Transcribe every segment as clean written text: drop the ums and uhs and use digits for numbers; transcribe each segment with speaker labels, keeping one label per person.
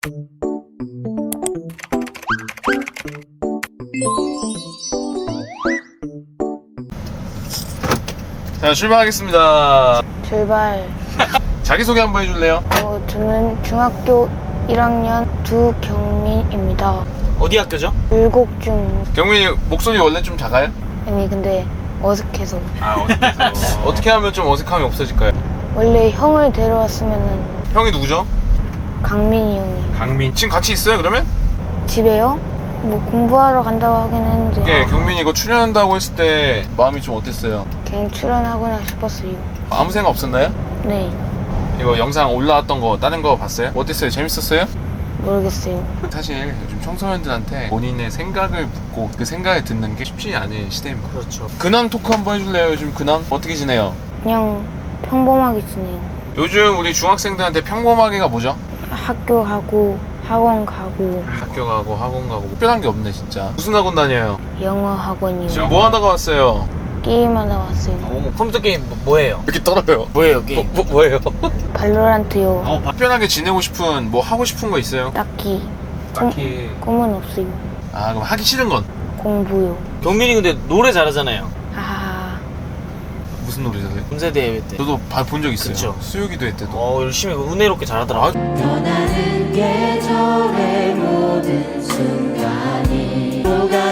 Speaker 1: 자, 출발하겠습니다.
Speaker 2: 출발.
Speaker 1: 자기소개 한번 해줄래요?
Speaker 2: 저는 중학교 1학년 두경민입니다.
Speaker 3: 어디 학교죠?
Speaker 2: 율곡중.
Speaker 1: 경민이 목소리 원래 좀 작아요?
Speaker 2: 아니 근데 어색해서.
Speaker 1: 어색해서. 어떻게 하면 좀 어색함이 없어질까요?
Speaker 2: 원래 형을 데려왔으면은
Speaker 1: 형이 누구죠?
Speaker 2: 강민이 형이.
Speaker 1: 강민. 지금 같이 있어요 그러면?
Speaker 2: 집에요? 뭐 공부하러 간다고 하긴 했는데
Speaker 1: 예, 경민이 이거 출연한다고 했을 때 마음이 좀 어땠어요?
Speaker 2: 그냥 출연하거나 싶었어요.
Speaker 1: 아무 생각 없었나요?
Speaker 2: 네,
Speaker 1: 이거 영상 올라왔던 거 다른 거 봤어요? 어땠어요? 재밌었어요?
Speaker 2: 모르겠어요.
Speaker 1: 사실 요즘 청소년들한테 본인의 생각을 묻고 그 생각을 듣는 게 쉽지 않은 시대입니다.
Speaker 3: 그렇죠.
Speaker 1: 근황 토크 한번 해줄래요? 요즘 근황 어떻게 지내요?
Speaker 2: 그냥 평범하게 지내요.
Speaker 1: 요즘 우리 중학생들한테 평범하게가 뭐죠?
Speaker 2: 학교 가고 학원 가고
Speaker 1: 학교 가고 학원 가고 특별한 게 없네 진짜. 무슨 학원 다녀요?
Speaker 2: 영어 학원이요.
Speaker 1: 지금 뭐 하다가 왔어요?
Speaker 2: 게임하다 왔어요.
Speaker 3: 컴퓨터 게임 뭐예요?
Speaker 1: 이렇게 떨어요.
Speaker 3: 뭐예요 게임? 뭐예요?
Speaker 2: 발로란트요.
Speaker 1: 특별하게 지내고 싶은 뭐 하고 싶은 거 있어요?
Speaker 2: 딱히
Speaker 1: 딱히.
Speaker 2: 꿈은 없어요.
Speaker 1: 아 그럼 하기 싫은 건?
Speaker 2: 공부요.
Speaker 3: 경민이 근데 노래 잘하잖아요.
Speaker 2: 하하하.
Speaker 1: 무슨 노래 잘해요?
Speaker 3: 연세대회 때.
Speaker 1: 저도 본 적 있어요.
Speaker 3: 그쵸.
Speaker 1: 수요기도회 때도.
Speaker 3: 열심히 은혜롭게 잘하더라.
Speaker 4: 변하는 계절의 모든 순간이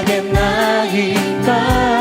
Speaker 4: 오가겠나이까.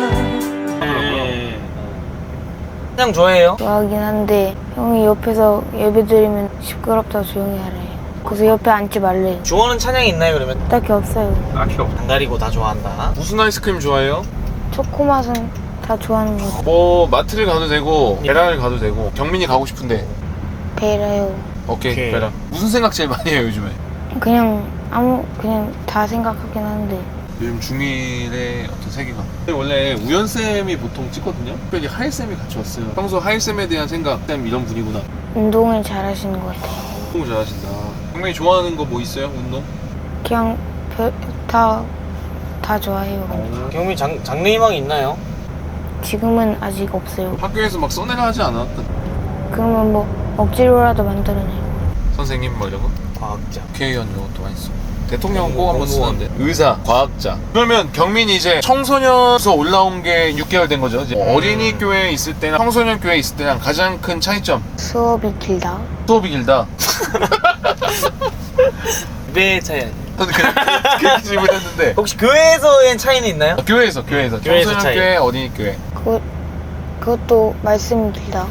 Speaker 3: 그냥 좋아해요.
Speaker 2: 좋아하긴 한데 형이 옆에서 예배 드리면 시끄럽다 조용히 하래요. 그래서 옆에 앉지 말래요.
Speaker 3: 좋아하는 찬양이 있나요 그러면?
Speaker 2: 딱히 없어요.
Speaker 1: 딱히 없어.
Speaker 3: 안 가리고 다 좋아한다.
Speaker 1: 무슨 아이스크림 좋아해요?
Speaker 2: 초코맛은 다 좋아하는 거 같아요.
Speaker 1: 뭐 마트를 가도 되고 베라를 가도 되고 경민이 가고 싶은데
Speaker 2: 베라요.
Speaker 1: 오케이.
Speaker 3: 오케이.
Speaker 1: 베라. 무슨 생각 제일 많이 해요 요즘에?
Speaker 2: 그냥 다 생각하긴 하는데
Speaker 1: 요즘 중1의 어떤 세계관. 원래 우연쌤이 보통 찍거든요. 특별히 하일쌤이 같이 왔어요. 평소 하일쌤에 대한 생각, 쌤 이런 분이구나.
Speaker 2: 운동을 잘 하시는 것 같아요.
Speaker 1: 너무 잘하신다. 경민이 좋아하는 거 뭐 있어요? 운동?
Speaker 2: 그냥 다 좋아해요.
Speaker 3: 경민 장래희망이 있나요?
Speaker 2: 지금은 아직 없어요.
Speaker 1: 학교에서 막 써내라 하지 않았던
Speaker 2: 그러면 뭐 억지로라도 만들어내요.
Speaker 1: 선생님 뭐 이런 거?
Speaker 3: 과학자.
Speaker 1: 국회의원 이런 것도 많이 쓰고 대통령은 꼭 한번 쓰는데 의사, 과학자. 그러면 경민이 이제 청소년에서 올라온 게 6개월 된 거죠. 이제 어린이 교회에 있을 때랑 청소년 교회에 있을 때랑 가장 큰 차이점.
Speaker 2: 수업이 길다.
Speaker 1: 수업이 길다.
Speaker 3: 배 차이.
Speaker 1: 저는 그냥 그렇게 질문했는데
Speaker 3: 혹시 교회에서의 차이는 있나요?
Speaker 1: 교회에서
Speaker 3: 교회에서
Speaker 1: 청소년
Speaker 3: 차이.
Speaker 1: 교회, 어린이 교회.
Speaker 2: 그것도 말씀이 길다.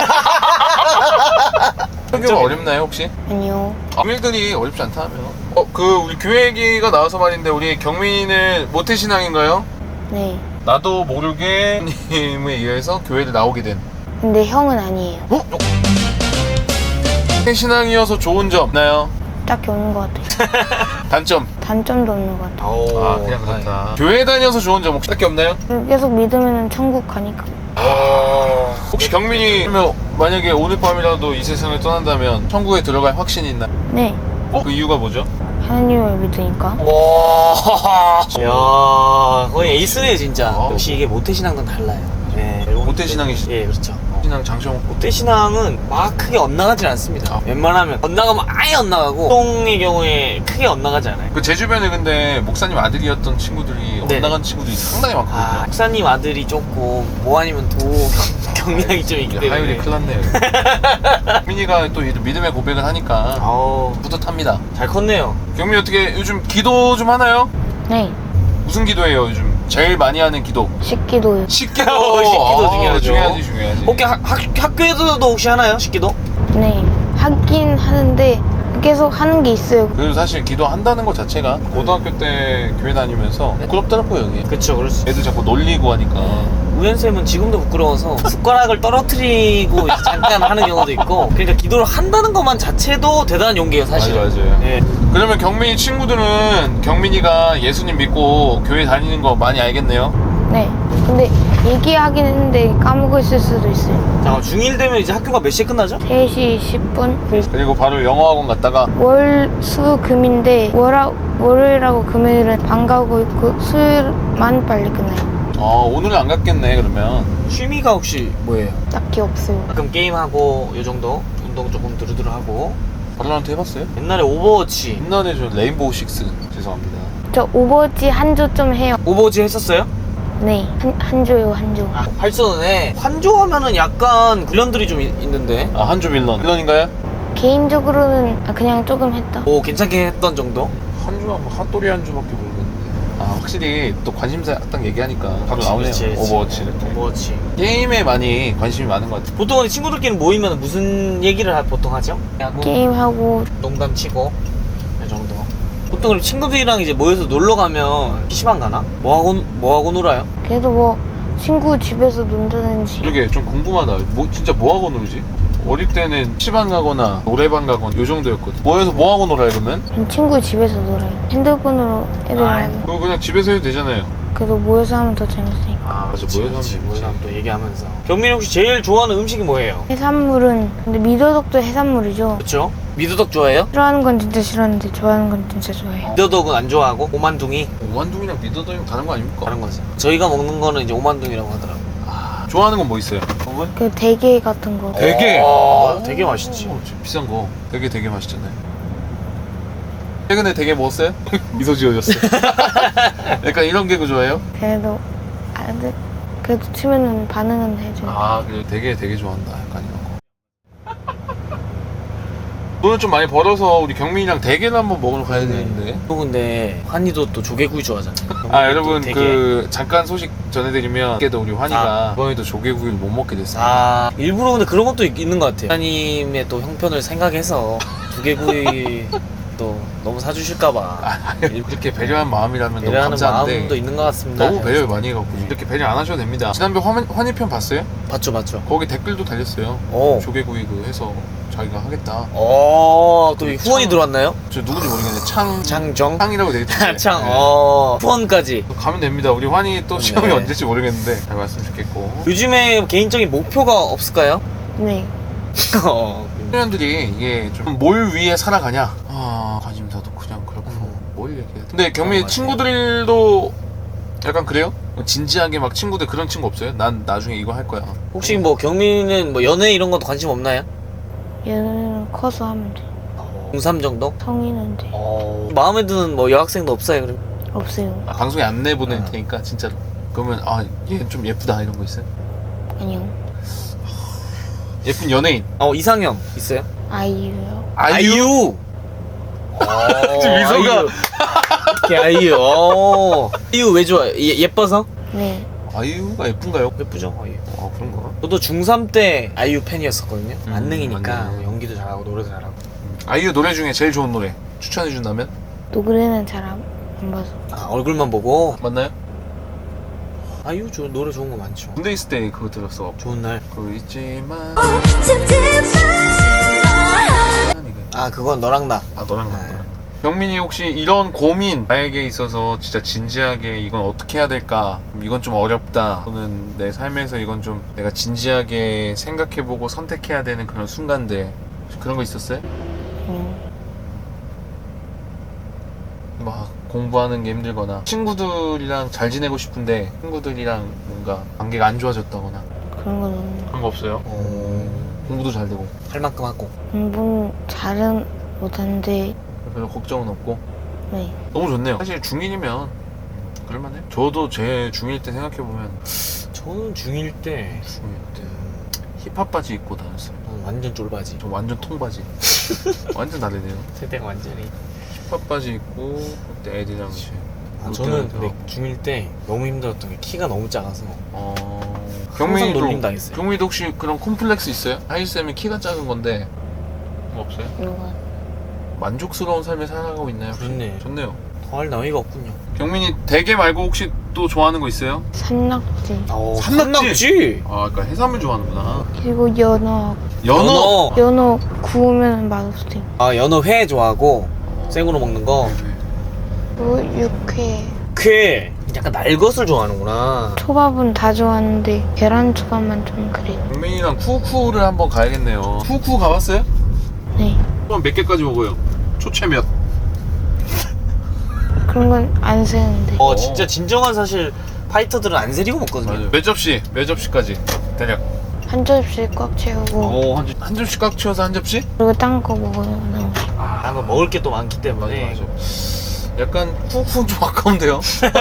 Speaker 1: 학교가 어렵나요 혹시?
Speaker 2: 아니요.
Speaker 1: 교회들이 어렵지 않다면 우리 교회 얘기가 나와서 말인데 우리 경민이는 모태신앙인가요?
Speaker 2: 네.
Speaker 1: 나도 모르게 님에 의해서 교회를 나오게 된
Speaker 2: 근데 형은 아니에요.
Speaker 1: 모태신앙이어서 좋은 점 있나요?
Speaker 2: 딱히 없는 것 같아요.
Speaker 1: 단점?
Speaker 2: 단점도 없는 것 같아요.
Speaker 1: 아 그냥 그렇다. 교회 다녀서 좋은 점 혹시 딱히 없나요?
Speaker 2: 계속 믿으면 천국 가니까.
Speaker 1: 혹시 경민이 그러면 만약에 오늘 밤이라도 이 세상을 떠난다면 천국에 들어갈 확신이 있나요?
Speaker 2: 네.
Speaker 1: 그 이유가 뭐죠?
Speaker 2: 하나님을 믿으니까.
Speaker 3: 와. 야, 거의 에이스네 진짜.
Speaker 1: 아.
Speaker 3: 역시 이게 모태신앙과는 달라요. 네.
Speaker 1: 모태신앙이시죠?
Speaker 3: 예, 그렇죠.
Speaker 1: 신앙 장시홍
Speaker 3: 모태신앙은 막 크게 엇나가진 않습니다. 웬만하면 엇나가면 아예 엇나가고 보통의 경우에 크게 엇나가지 않아요.
Speaker 1: 그 제 주변에 근데 목사님 아들이었던 친구들이
Speaker 3: 네.
Speaker 1: 엇나간 친구들이 상당히 많거든요.
Speaker 3: 목사님 아들이 조금 뭐 아니면 도 경력이 좀 있기 때문에
Speaker 1: 하율이 큰일 났네요. 경민이가 또 믿음의 고백을 하니까
Speaker 3: 아우
Speaker 1: 뿌듯합니다.
Speaker 3: 잘 컸네요.
Speaker 1: 경민이 어떻게 요즘 기도 좀 하나요?
Speaker 2: 네.
Speaker 1: 무슨 기도예요 요즘? 제일 많이 하는 기도?
Speaker 2: 식기도요.
Speaker 1: 식기도!
Speaker 3: 식기도 중요하죠.
Speaker 1: 중요하지.
Speaker 3: 혹시 학교에서도 혹시 하나요? 식기도?
Speaker 2: 네. 하긴 하는데 계속 하는 게 있어요.
Speaker 1: 그래도 사실 기도한다는 것 자체가 고등학교 때 교회 다니면서 부끄럽더라고요 여기.
Speaker 3: 그쵸, 그럴 수.
Speaker 1: 애들 자꾸 놀리고 하니까.
Speaker 3: 우연쌤은 지금도 부끄러워서 숟가락을 떨어뜨리고 이제 잠깐 하는 경우도 있고, 그러니까 기도를 한다는 것만 자체도 대단한 용기예요 사실.
Speaker 1: 맞아요.
Speaker 3: 예.
Speaker 1: 그러면 경민이 친구들은 경민이가 예수님 믿고 교회 다니는 거 많이 알겠네요?
Speaker 2: 네. 근데 얘기하긴 했는데 까먹었을 수도 있어요.
Speaker 3: 자, 중1 되면 이제 학교가 몇 시에 끝나죠?
Speaker 2: 3시 10분?
Speaker 1: 그리고 바로 영어학원 갔다가
Speaker 2: 월, 수, 금인데 월요일하고 금요일은 반 가고 있고 수요일만 빨리 끝나요.
Speaker 1: 오늘은 안 갔겠네 그러면.
Speaker 3: 취미가 혹시 뭐예요?
Speaker 2: 딱히 없어요.
Speaker 3: 가끔 게임하고 요 정도 운동 조금 두루두루 하고
Speaker 1: 발로란트 해봤어요?
Speaker 3: 옛날에 오버워치.
Speaker 1: 옛날에 저 레인보우 식스 죄송합니다.
Speaker 2: 저 오버워치 한 조 좀 해요.
Speaker 3: 오버워치 했었어요?
Speaker 2: 네, 한 조요, 한 조.
Speaker 3: 아, 활쏘네. 환조 하면은 약간 빌런들이 좀 있는데.
Speaker 1: 아 한조 빌런인가요?
Speaker 2: 개인적으로는 그냥 조금 했다.
Speaker 3: 오, 괜찮게 했던 정도?
Speaker 1: 한조가 뭐 핫도리 한조밖에 모르겠는데. 아 확실히 또 관심사 딱 얘기하니까 바로
Speaker 3: 그치,
Speaker 1: 나오네요.
Speaker 3: 그치, 그치.
Speaker 1: 오버워치 이렇게.
Speaker 3: 오버워치.
Speaker 1: 게임에 많이 관심이 많은 것 같아요.
Speaker 3: 보통 친구들끼리 모이면 무슨 얘기를 보통 하죠? 그냥 뭐
Speaker 2: 게임하고
Speaker 3: 농담 치고 이 정도. 보통 그럼 친구들이랑 이제 모여서 놀러 가면 PC방 가나? 뭐 하고 놀아요?
Speaker 2: 그래도 뭐 친구 집에서 논다든지
Speaker 1: 이게 좀 궁금하다. 뭐 진짜 뭐 하고 놀지? 어릴 때는 PC방 가거나 노래방 가거나 요 정도였거든. 모여서 뭐 하고 놀아요 그러면?
Speaker 2: 친구 집에서 놀아요. 핸드폰으로 애들이랑
Speaker 1: 그거 그냥 집에서 해도 되잖아요.
Speaker 2: 그래도 모여서 하면 더 재밌으니까.
Speaker 1: 아 맞아 모여서 하면 재밌지.
Speaker 3: 모여서 하면 또 얘기하면서. 경민이 혹시 제일 좋아하는 음식이 뭐예요?
Speaker 2: 해산물은 근데 미더덕도 해산물이죠.
Speaker 3: 그렇죠? 미더덕 좋아해요?
Speaker 2: 싫어하는 건 진짜 싫었는데 좋아하는 건 진짜 좋아해요.
Speaker 3: 미더덕은 안 좋아하고 오만둥이
Speaker 1: 오만둥이랑 미더덕이랑 다른 거 아닙니까?
Speaker 3: 다른 거지. 저희가 먹는 거는 이제 오만둥이라고 하더라고.
Speaker 1: 좋아하는 건 뭐 있어요?
Speaker 2: 그 대게 같은 거.
Speaker 1: 대게!
Speaker 3: 되게 맛있지.
Speaker 1: 좀 비싼 거. 되게 맛있잖아요. 최근에 되게 먹었어요? 미소 지어줬어. 약간 이런 개그 좋아해요?
Speaker 2: 그래도 그래도 치면은 반응은 해줘요.
Speaker 1: 아, 그래 되게 좋아한다. 약간 이런 거. 돈을 좀 많이 벌어서 우리 경민이랑 대게를 한번 먹으러 가야 되는데.
Speaker 3: 또 근데 환희도 또 조개구이 좋아하잖아요.
Speaker 1: 아, 여러분
Speaker 3: 되게-
Speaker 1: 그 잠깐 소식 전해드리면 그때도 우리 환희가
Speaker 3: 아.
Speaker 1: 이번에도 조개구이를 못 먹게 됐어요.
Speaker 3: 아, 일부러 근데 그런 것도 있는 것 같아요. 하나님의 또 형편을 생각해서 조개구이 또 너무 사주실까봐
Speaker 1: 이렇게 배려한 마음이라면 너무
Speaker 3: 배려하는
Speaker 1: 감사한데
Speaker 3: 마음도 있는 것 같습니다.
Speaker 1: 너무 배려를 많이 해갖고 이렇게 배려 안 하셔도 됩니다. 지난번 환희편 봤어요?
Speaker 3: 봤죠.
Speaker 1: 거기 댓글도 달렸어요.
Speaker 3: 오.
Speaker 1: 조개구이 그 해서 자기가 하겠다.
Speaker 3: 또 후원이
Speaker 1: 참-
Speaker 3: 들어왔나요?
Speaker 1: 저 누군지 모르겠는데
Speaker 3: 장정?
Speaker 1: 창이라고 되겠던데.
Speaker 3: 창,
Speaker 1: 네.
Speaker 3: 후원까지.
Speaker 1: 가면 됩니다. 우리 환희 또 시험이
Speaker 3: 네.
Speaker 1: 언제일지 모르겠는데 잘 왔으면 좋겠고.
Speaker 3: 요즘에 개인적인 목표가 없을까요?
Speaker 2: 네.
Speaker 1: 청년들이 이게 좀 뭘 위해 살아가냐? 아 관심사도 그냥 그렇고 뭘 얘기해야 돼. 근데 경미
Speaker 3: 맞아요.
Speaker 1: 친구들도 약간 그래요? 진지하게 막 친구들 그런 친구 없어요? 난 나중에 이거 할 거야.
Speaker 3: 혹시 뭐 경민은 뭐 연애 이런 것도 관심 없나요?
Speaker 2: 얘는 커서 하면 돼.
Speaker 3: 중3 정도?
Speaker 2: 성인은 돼.
Speaker 3: 마음에 드는 뭐 여학생도 없어요, 그럼?
Speaker 2: 없어요.
Speaker 1: 아, 방송에 안내 보낼
Speaker 3: 아.
Speaker 1: 테니까 진짜로. 그러면 얘 좀 예쁘다 이런 거 있어요?
Speaker 2: 아니요.
Speaker 1: 예쁜 연예인.
Speaker 3: 이상형 있어요?
Speaker 2: 아이유요.
Speaker 3: 아이유.
Speaker 1: 지금 미소가.
Speaker 3: 아이유. 아이유 왜 좋아요? 예뻐서?
Speaker 2: 네.
Speaker 1: 아이유가 예쁜가요?
Speaker 3: 예쁘죠, 아이유.
Speaker 1: 아 그런가?
Speaker 3: 저도 중3 때 아이유 팬이었었거든요. 만능이니까
Speaker 1: 만능.
Speaker 3: 연기도 잘하고 노래도 잘하고.
Speaker 1: 아이유 노래 중에 제일 좋은 노래 추천해 준다면?
Speaker 2: 노래는 잘 안 봐서.
Speaker 3: 얼굴만 보고.
Speaker 1: 맞나요?
Speaker 3: 아이유 노래 좋은 거 많죠.
Speaker 1: 군대 있을 때 그거 들었어.
Speaker 3: 좋은 날.
Speaker 1: 그 있지만.
Speaker 3: 그건 너랑 나.
Speaker 1: 너랑 나랑. 경민이 혹시 이런 고민 나에게 있어서 진짜 진지하게 이건 어떻게 해야 될까? 이건 좀 어렵다. 또는 내 삶에서 이건 좀 내가 진지하게 생각해보고 선택해야 되는 그런 순간들 혹시 그런 거 있었어요? 막 공부하는 게 힘들거나 친구들이랑 잘 지내고 싶은데 친구들이랑 뭔가 관계가 안 좋아졌다거나
Speaker 2: 그런 건 없는 거.
Speaker 1: 그런 거 없어요? 공부도 잘 되고
Speaker 3: 할 만큼 하고.
Speaker 2: 공부는 잘은 못하는데
Speaker 1: 별로 걱정은 없고
Speaker 2: 네.
Speaker 1: 너무 좋네요. 사실 중1이면 그럴만해. 저도 제 중1 때 생각해보면
Speaker 3: 저는 중1 때
Speaker 1: 중1 때 힙합 바지 입고 다녔어요.
Speaker 3: 완전 쫄바지.
Speaker 1: 저 완전 통바지. 완전 다르네요.
Speaker 3: 세대가 완전히.
Speaker 1: 힙합 바지 입고 그때 애들이랑 이제
Speaker 3: 저는 근데 중1 때 너무 힘들었던 게 키가 너무 작아서
Speaker 1: 경민이도
Speaker 3: 놀림 당했어요.
Speaker 1: 경민이도 혹시 그런 콤플렉스 있어요? 하이쌤이 키가 작은 건데 뭐 없어요?
Speaker 2: 이런 거.
Speaker 1: 만족스러운 삶을 살아가고 있나요? 혹시?
Speaker 3: 그렇네.
Speaker 1: 좋네요.
Speaker 3: 더할 나위가 없군요.
Speaker 1: 경민이 대게 말고 혹시 또 좋아하는 거 있어요?
Speaker 2: 산낙지.
Speaker 3: 산낙지?
Speaker 1: 그러니까 해산물 좋아하는구나.
Speaker 2: 그리고 연어. 연어 구우면 맛없어요.
Speaker 3: 연어회 좋아하고 생으로 먹는 거.
Speaker 2: 그리고 육회.
Speaker 3: 쾌 약간 날 것을 좋아하는구나.
Speaker 2: 초밥은 다 좋아하는데 계란 초밥만 좀 그래요.
Speaker 1: 경민이랑 쿠쿠를 한번 가야겠네요. 쿠쿠 가봤어요?
Speaker 2: 네.
Speaker 1: 그럼 몇 개까지 먹어요? 초채 몇?
Speaker 2: 그런 건 안 세는데.
Speaker 3: 진짜 진정한 사실 파이터들은 안 세리고 먹거든요.
Speaker 1: 몇 접시까지 대략?
Speaker 2: 한 접시 꽉 채우고
Speaker 1: 한 접시 꽉 채워서 한 접시?
Speaker 2: 그리고 딴 거 먹어요. 너무.
Speaker 3: 아, 먹을 게 또 많기 때문에.
Speaker 1: 약간 훅훅 좀 아까운데요?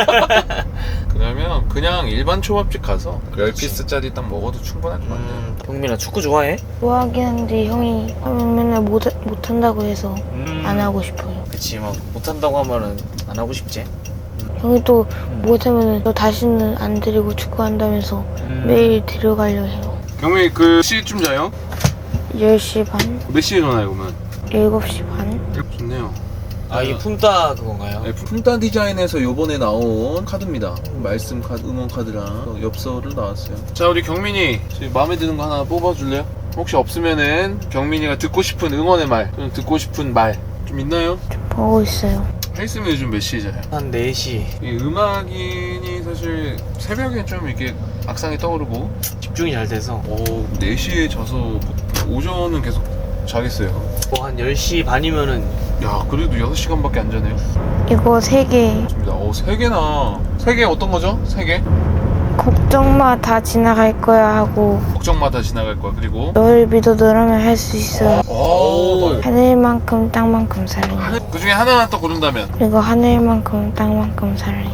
Speaker 1: 그러면 그냥 일반 초밥집 가서 10피스짜리 딱 먹어도 충분할 것 같아요.
Speaker 3: 경민아 축구 좋아해?
Speaker 2: 좋아하긴 한데 형이 하면 맨날 못한다고 해서 안 하고 싶어요.
Speaker 3: 그치, 막 못한다고 하면은 안 하고 싶지.
Speaker 2: 형이 또 못하면 너 다시는 안 데리고 축구한다면서 매일 데려가려 해요.
Speaker 1: 경민이 그 시쯤 자요?
Speaker 2: 10시 반?
Speaker 1: 몇 시에 일어나요 그러면?
Speaker 2: 7시 반?
Speaker 1: 좋네요.
Speaker 3: 아, 이 품따 그건가요?
Speaker 1: 네, 품단 디자인에서 요번에 나온 카드입니다. 말씀 카드, 응원 카드랑 엽서를 나왔어요. 자, 우리 경민이 마음에 드는 거 하나 뽑아줄래요? 혹시 없으면은 경민이가 듣고 싶은 응원의 말, 또는 듣고 싶은 말 좀 있나요?
Speaker 2: 보고 있어요.
Speaker 1: 헬스면 요즘 몇 시에 자요?
Speaker 3: 한 4시.
Speaker 1: 이 음악인이 사실 새벽에 좀 이렇게 악상이 떠오르고
Speaker 3: 집중이 잘 돼서
Speaker 1: 4시에 자서 오전은 계속 자겠어요.
Speaker 3: 뭐 한 10시 반이면은
Speaker 1: 야, 그래도 6시간밖에 안 자네요.
Speaker 2: 이거 3개.
Speaker 1: 좋습니다. 3개나. 3개 어떤 거죠? 3개?
Speaker 2: 걱정 마, 다 지나갈 거야 하고
Speaker 1: 걱정마다 지나갈 거야. 그리고
Speaker 2: 너를 믿어 너라면 할 수 있어.
Speaker 1: 오,
Speaker 2: 하늘만큼 땅만큼 사랑해.
Speaker 1: 그 중에 하나만 또 고른다면?
Speaker 2: 그리고 하늘만큼 땅만큼 사랑해.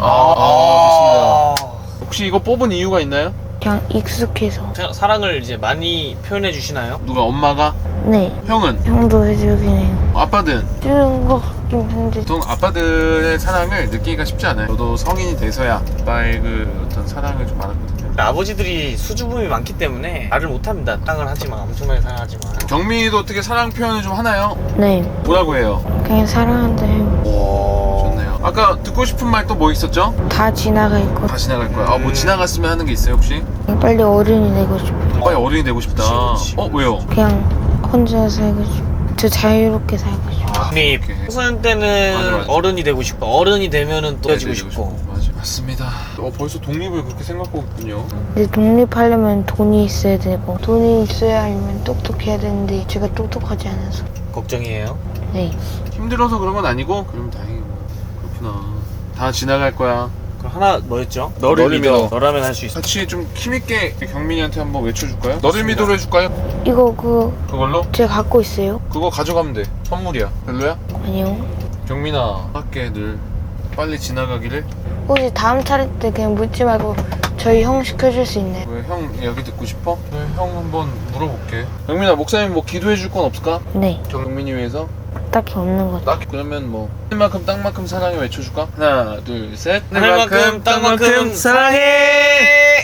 Speaker 1: 좋습니다. 혹시 이거 뽑은 이유가 있나요?
Speaker 2: 그냥 익숙해서.
Speaker 3: 사랑을 이제 많이 표현해 주시나요?
Speaker 1: 누가 엄마가?
Speaker 2: 네,
Speaker 1: 형은?
Speaker 2: 형도 해주긴 해요.
Speaker 1: 아빠든?
Speaker 2: 주는 거 같긴 한데
Speaker 1: 보통 아빠들의 사랑을 느끼기가 쉽지 않아요. 저도 성인이 돼서야 아빠의 그 어떤 사랑을 좀 알았거든요.
Speaker 3: 아버지들이 수줍음이 많기 때문에 말을 못합니다. 사랑을 하지만, 엄청나게 사랑하지만.
Speaker 1: 경민이도 어떻게 사랑 표현을 좀 하나요?
Speaker 2: 네,
Speaker 1: 뭐라고 해요?
Speaker 2: 그냥 사랑한다 해요.
Speaker 1: 좋네요. 아까 듣고 싶은 말 또 뭐 있었죠?
Speaker 2: 다 지나갈 거.
Speaker 1: 다 지나갈 거야. 뭐 지나갔으면 하는 게 있어요 혹시?
Speaker 2: 빨리 어른이 되고 싶어요.
Speaker 1: 빨리 어른이 되고 싶다.
Speaker 3: 그치.
Speaker 1: 왜요?
Speaker 2: 그냥 혼자 살고 싶어. 저 자유롭게 살고 싶어.
Speaker 3: 근데
Speaker 1: 오케이.
Speaker 3: 청소년 때는
Speaker 1: 맞아.
Speaker 3: 어른이 되고 싶고, 어른이 되면은 또 헤어지고 싶고.
Speaker 1: 맞아. 맞습니다. 벌써 독립을 그렇게 생각하고 있군요.
Speaker 2: 근데 독립하려면 돈이 있어야 되고 돈이 있어야 하면 똑똑해야 되는데 제가 똑똑하지 않아서.
Speaker 3: 걱정이에요.
Speaker 2: 네,
Speaker 1: 힘들어서 그런 건 아니고 그럼 다행이고. 그렇구나. 다 지나갈 거야.
Speaker 3: 그럼 하나 뭐였죠?
Speaker 1: 너를 믿어.
Speaker 3: 너라면 할 수 있어.
Speaker 1: 같이 좀 힘있게 경민이한테 한번 외쳐줄까요? 너를 믿어로 해줄까요?
Speaker 2: 이거
Speaker 1: 그걸로?
Speaker 2: 제가 갖고 있어요?
Speaker 1: 그거 가져가면 돼. 선물이야. 별로야?
Speaker 2: 아니요.
Speaker 1: 경민아, 할게 늘 빨리 지나가기를.
Speaker 2: 혹시 다음 차례 때 그냥 묻지 말고 저희 형 시켜줄 수 있나요?
Speaker 1: 왜 형 얘기 듣고 싶어? 네, 형 한번 물어볼게. 경민아, 목사님 뭐 기도해줄 건 없을까?
Speaker 2: 네,
Speaker 1: 경민이 위해서?
Speaker 2: 딱히 없는 것 같아요.
Speaker 1: 딱 그러면 뭐 하늘만큼 땅만큼 사랑해 외쳐줄까? 하나, 둘, 셋.
Speaker 3: 하늘만큼 땅만큼 사랑해.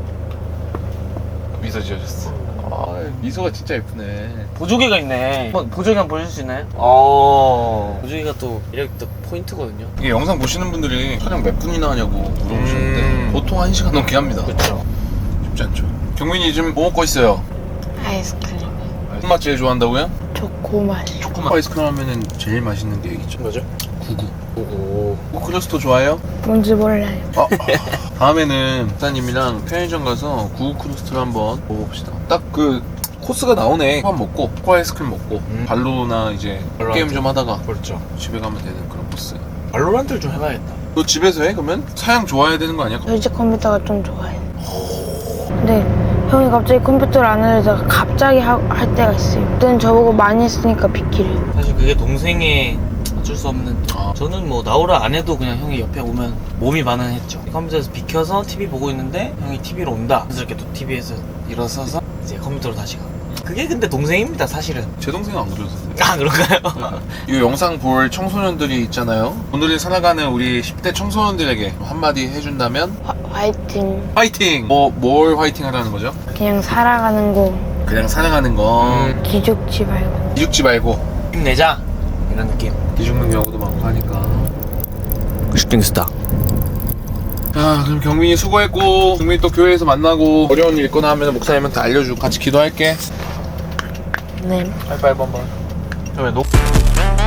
Speaker 1: 미소 지어줬어. 미소가 진짜 예쁘네.
Speaker 3: 보조개가 있네. 한번 보조개 한번 보여줄 수 있나요? 보조개가 또 이렇게 또 포인트거든요.
Speaker 1: 이게 영상 보시는 분들이 촬영 몇 분이나 하냐고 물어보시는데 보통 1시간 넘게 합니다.
Speaker 3: 그렇죠.
Speaker 1: 쉽지 않죠. 경민이 지금 뭐 먹고 있어요?
Speaker 2: 아이스크림.
Speaker 1: 무슨 맛 제일 좋아한다고요?
Speaker 2: 초코맛.
Speaker 1: 초코맛 아이스크림 하면은 제일 맛있는 게 얘기죠.
Speaker 3: 뭐죠?
Speaker 1: 구구.
Speaker 3: 오고.
Speaker 1: 크러스터 좋아해요?
Speaker 2: 뭔지 몰라요.
Speaker 1: 다음에는 목사님이랑 편의점 가서 구구 크러스트를 한번 먹어봅시다. 딱 그 코스가 나오네. 한 먹고 초코 아이스크림 먹고 발로나 이제
Speaker 3: 발로란트.
Speaker 1: 게임 좀 하다가
Speaker 3: 그렇죠.
Speaker 1: 집에 가면 되는 그런 코스.
Speaker 3: 발로란트를 좀 해봐야겠다.
Speaker 1: 너 집에서 해? 그러면? 사양 좋아야 되는 거 아니야?
Speaker 2: 저희 집 컴퓨터가 좀 좋아요. 근데 형이 갑자기 컴퓨터를 안 하려다가 갑자기 할 때가 있어요. 그때는 저보고 많이 했으니까 비키래요.
Speaker 3: 사실 그게 동생의 어쩔 수 없는.
Speaker 1: 아.
Speaker 3: 저는 뭐 나오라 안 해도 그냥 형이 옆에 오면 몸이 반응했죠. 컴퓨터에서 비켜서 TV 보고 있는데 형이 TV로 온다. 그래서 이렇게 또 TV에서 일어서서 이제 컴퓨터로 다시 가고. 그게 근데 동생입니다, 사실은.
Speaker 1: 제 동생은 안 그러셨어요.
Speaker 3: 아, 그런가요?
Speaker 1: 이 영상 볼 청소년들이 있잖아요. 오늘을 살아가는 우리 10대 청소년들에게 한마디 해준다면
Speaker 2: 화이팅.
Speaker 1: 화이팅! 뭘 화이팅 하라는 거죠?
Speaker 2: 그냥 살아가는 거
Speaker 1: 그냥 살아가는 거
Speaker 2: 기죽지 말고.
Speaker 1: 기죽지 말고
Speaker 3: 힘내자. 이런 느낌.
Speaker 1: 기죽는 경우도 많고 하니까.
Speaker 3: 슈팅스타.
Speaker 1: 자, 그럼 경민이 수고했고 경민이 또 교회에서 만나고 어려운 일 있거나 하면 목사님한테 알려주고 같이 기도할게.
Speaker 2: 네.
Speaker 1: 하이파이브 한번.
Speaker 3: 그러면